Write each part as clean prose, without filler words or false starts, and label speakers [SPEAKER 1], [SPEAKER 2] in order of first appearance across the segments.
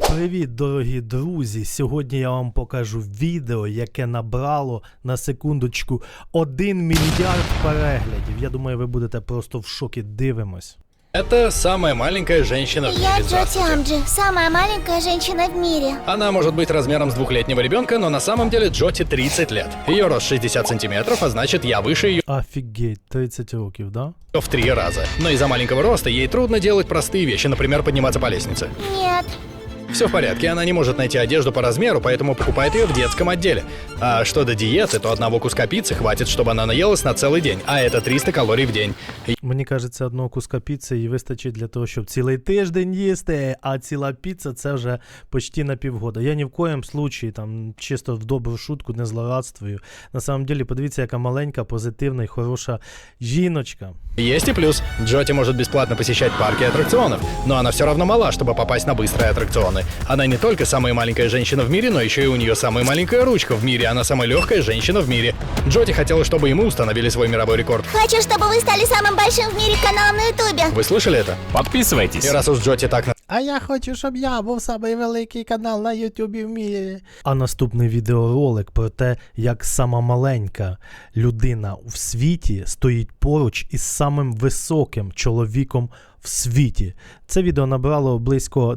[SPEAKER 1] Привіт, дорогі друзі! Сьогодні я вам покажу відео, яке набрало, на секундочку, 1 мільярд переглядів. Я думаю, ви будете просто в шокі. Дивимось.
[SPEAKER 2] Это самая маленькая женщина в мире.
[SPEAKER 3] Я Джоти Амджи, самая маленькая женщина в мире.
[SPEAKER 2] Она может быть размером с 2-летнего ребенка, но на самом деле Джоти 30 лет. Ее рост 60 сантиметров, а значит я выше ее
[SPEAKER 1] Офігеть, 30 років, да?
[SPEAKER 2] в 3 раза. Но из-за маленького роста ей трудно делать простые вещи, например, подниматься по лестнице.
[SPEAKER 3] Нет.
[SPEAKER 2] Все в порядке, она не может найти одежду по размеру, поэтому покупает ее в детском отделе. А что до диеты, то одного куска пиццы хватит, чтобы она наелась на целый день, а это 300 калорий в день.
[SPEAKER 1] Мені кажеться, одного куска піци їй вистачить для того, щоб цілий тиждень їсти, а ціла піца це вже почти на півгода. Я ні в коєм случаї, там, чисто в добру шутку, не злорадствую. На самом деле, подивіться, яка маленька, позитивна і хороша жіночка.
[SPEAKER 2] Есть и плюс. Джоти может бесплатно посещать парки и аттракционов, но она все равно мала, чтобы попасть на быстрые аттракционы. Она не только самая маленькая женщина в мире, но еще и у нее самая маленькая ручка в мире. Она самая легкая женщина в мире. Джоти хотела, чтобы и мы установили свой мировой рекорд.
[SPEAKER 3] Хочу, чтобы вы стали самым большим в мире каналом на Ютубе.
[SPEAKER 2] Вы слышали это?
[SPEAKER 4] Подписывайтесь.
[SPEAKER 2] И раз уж Джоти так
[SPEAKER 1] А я хочу, щоб я був самий великий канал на Ютубі в мірі. А наступний відеоролик про те, як сама маленька людина в світі стоїть поруч із самим високим чоловіком в світі. Це відео набрало близько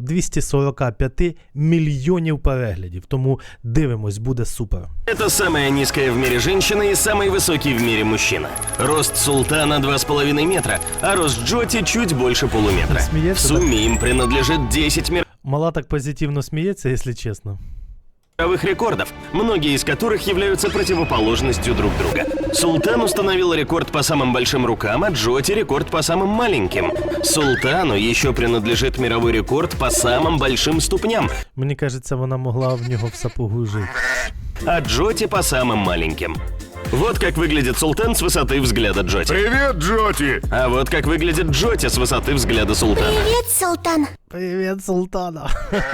[SPEAKER 1] 245 мільйонів переглядів, тому дивимось, буде супер.
[SPEAKER 4] Это самая низкая в мире женщина и самый высокий в мире мужчина. Рост Султана 2,5 метра, а рост Джоти чуть больше полуметра. В сумме им принадлежит 10
[SPEAKER 1] Мала так позитивно сміється, якщо чесно.
[SPEAKER 4] мировых рекордов, многие из которых являются противоположностью друг друга. Султан установил рекорд по самым большим рукам, а Джоти рекорд по самым маленьким. Султану еще принадлежит мировой рекорд по самым большим ступням,
[SPEAKER 1] Мені кажеться, вона могла в нього в сапогу жити.
[SPEAKER 4] а Джоти по самым маленьким. Вот как выглядит Султан с высоты взгляда Джоти.
[SPEAKER 5] Привет, Джоти!
[SPEAKER 4] А вот как выглядит Джоти с высоты взгляда Султана.
[SPEAKER 3] Привет, Султан.
[SPEAKER 1] Привіт, Султана!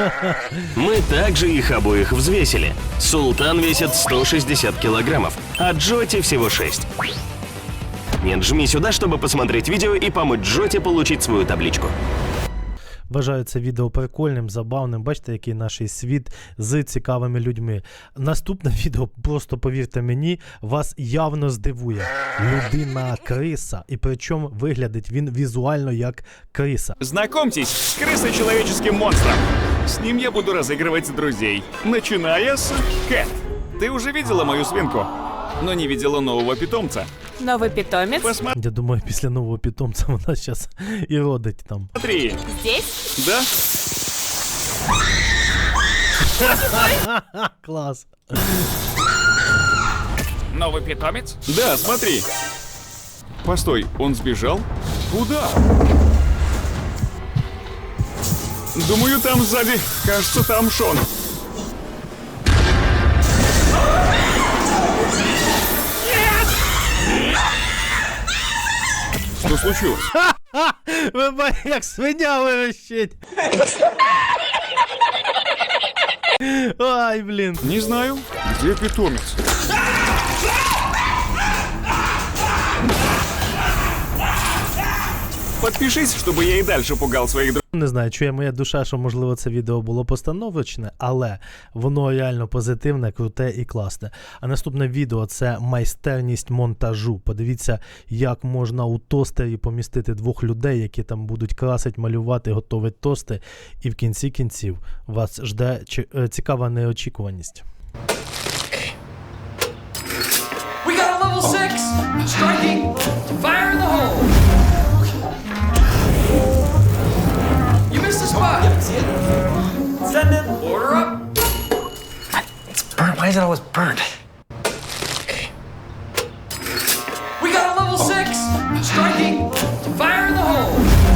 [SPEAKER 4] Мы также их обоих взвесили. Султан весит 160 килограммов, а Джоти всего 6. Нет, жми сюда, чтобы посмотреть видео и помочь Джоти получить свою табличку.
[SPEAKER 1] Вважаю це відео прикольним, забавним. Бачите, який наш світ з цікавими людьми. Наступне відео, просто повірте мені, вас явно здивує. Людина-криса. І причому виглядить він візуально як криса.
[SPEAKER 5] Знакомьтесь с крысой-человеческим монстром. С ним я буду разыгрывать друзей. Начиная с Кэт. Ты уже видела мою свинку, но не видела нового питомца.
[SPEAKER 6] Новый питомец?
[SPEAKER 1] Я думаю, після нового питомця вона зараз і родить там.
[SPEAKER 5] Посмотри.
[SPEAKER 6] Здесь?
[SPEAKER 5] Да?
[SPEAKER 1] Клас.
[SPEAKER 5] Новый питомец? Да, смотри. Постой, он сбежал? Куда? Думаю, там сзади. Кажется, там Шон. Что случилось?
[SPEAKER 1] Ви бачите, як свиня вирощить. Ай, блін.
[SPEAKER 5] Не знаю. Где питомец? Подпишись, чтобы я и дальше пугал своих друзей.
[SPEAKER 1] Не знаю, чує моя душа, що, можливо, це відео було постановочне, але воно реально позитивне, круте і класне. А наступне відео – це майстерність монтажу. Подивіться, як можна у тостері помістити 2 людей, які там будуть красити, малювати, готувати тости. І в кінці кінців вас жде цікава неочікуваність.
[SPEAKER 7] We got a level 6! Striking! Fire in the hole! You missed the spot! Send it! Order up!
[SPEAKER 8] It's burnt. Why is it always burnt?
[SPEAKER 7] We got a level 6! Striking! Fire in the hole!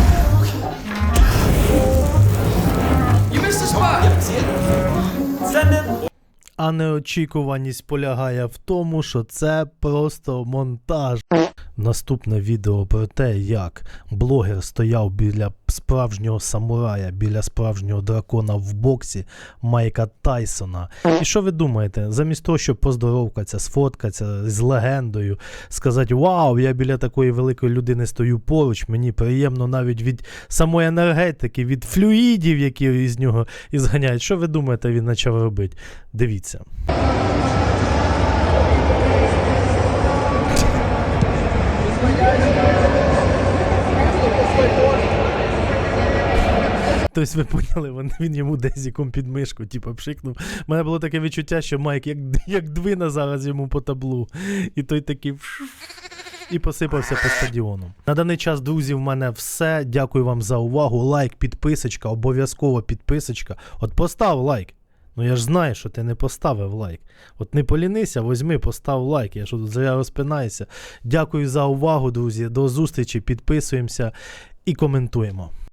[SPEAKER 7] You missed the spot! Send it!
[SPEAKER 1] А неочікуваність полягає в тому, що це просто монтаж. Наступне відео про те, як блогер стояв біля справжнього самурая біля справжнього дракона в боксі Майка Тайсона. І що ви думаєте? Замість того, щоб поздоровкатися, сфоткатися з легендою, сказати: вау, я біля такої великої людини стою поруч, мені приємно навіть від самої енергетики, від флюїдів, які із нього ізганяють. Що ви думаєте, він почав робити? Дивіться. Тобто ви поняли, він йому дезіком під мишку, типу, пшикнув. У мене було таке відчуття, що Майк як двина зараз йому по таблу. І той такий і посипався по стадіону. На даний час, друзі, в мене все. Дякую вам за увагу. Лайк, підписочка, обов'язково підписочка. От постав лайк. Ну я ж знаю, що ти не поставив лайк. От не полінися, возьми, постав лайк. Я що тут зря розпинаюся. Дякую за увагу, друзі. До зустрічі, підписуємося і коментуємо.